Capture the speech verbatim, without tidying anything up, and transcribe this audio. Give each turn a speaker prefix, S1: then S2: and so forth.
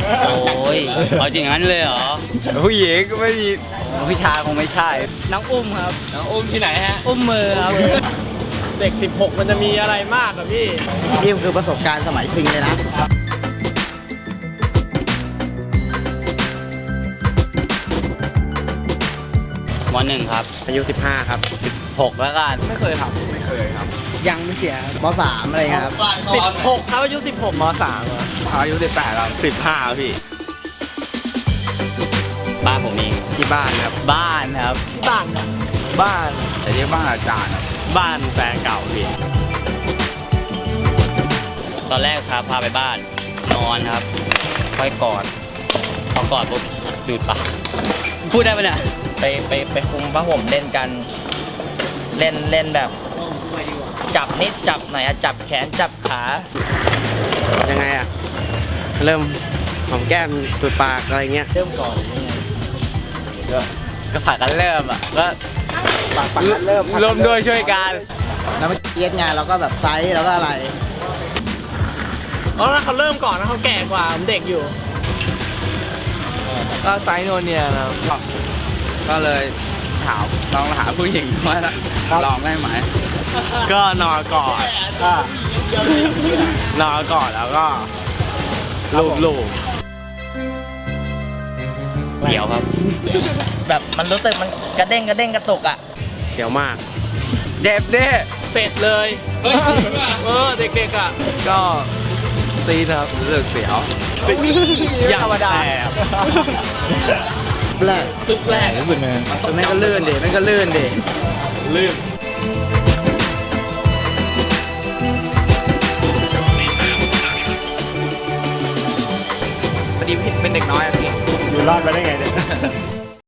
S1: โอ้ยเอาจริงงั้นเลยเหรอ
S2: ผู้หญิงก็ไม่มีผู้ชายคงไม่ใช่
S3: น้องอุ้มครับ
S4: น้องอุ้มที่ไหนฮะ
S3: อุ้มมือครับ เด็กสิบหกมันจะมีอะไรมากครับพี่
S5: นี่คือประสบการณ์สมัยซิงเลยนะ
S1: มหนึ่งครับ
S2: อายุสิบห้าครับ
S1: หกแล้วกัน
S3: ไม่เคยครับ
S2: ไม่เคยครับ
S5: ยังไม่เสียมสามอะไรเงี้ยครับ
S3: สิบหกครับอายุสิบหกมสามอะ
S2: อายุสิบแปดครับสิบห้าพี่
S1: บ้านผมเอง
S2: ที่บ้านครับ
S1: บ้านครับ
S3: บ้านครับ
S2: บ้านแต่ที่บ้านอาจารย์ครับ
S1: บ้านแฟนเก่าพี่ ตอนแรกครับพาไปบ้าน นอนครับ ค่อยกอด พอกอดปุ๊บดูดปากพูดได้ปะเนี่ย
S4: ไปไปไปคุมผ้าห่มเล่นกัน เล่นเล่นแบบ จับนิดจับไหนอะจับแขนจับขา
S2: ยังไงอ่ะ เริ่มหอมแก้มจุดปากอะไรเงี้ย
S4: เริ่มก่อนยังไง
S1: ก็ก็ผ่ากันเริ่มอ่ะ ก็
S5: ปากปากกันเริ่ม
S1: ร่วมด้วยช่วยกัน
S5: แล้วมันเย็ดไงเราก็แบบไซส์แล้วก็อะไร
S3: เพราะว่าเขาเริ่มก่อนนะเขาแก่กว่าผมเด็กอยู่
S2: ก็ไซส์โนเนียนะครับก็เลยถามลองหาผู้หญิงว่าลองได้ไหม ก็นอนก่อนนอนก่อนแล้วก็ลูบลูบ
S1: เดี๋ยวครับ
S4: แบบมันรู้สึกมันกระเด้งกระเด้งกระตุกอะ
S2: เดี๋ยวมากเจ็บเด้
S3: เสร็จเลยเออเด็กๆอ่ะ
S2: ก็ซีดครับรู้สึกเสียว
S3: อย่างธรรมดา
S5: แรก
S3: ตึกแรก
S2: แม่งก็ลื่นดิแม่งก็ลื่นดิ
S3: ลื่น
S2: พอดีเป็นเด็กน้อยอะพี่
S5: อยู่รอดมาได้ไงเนี่ย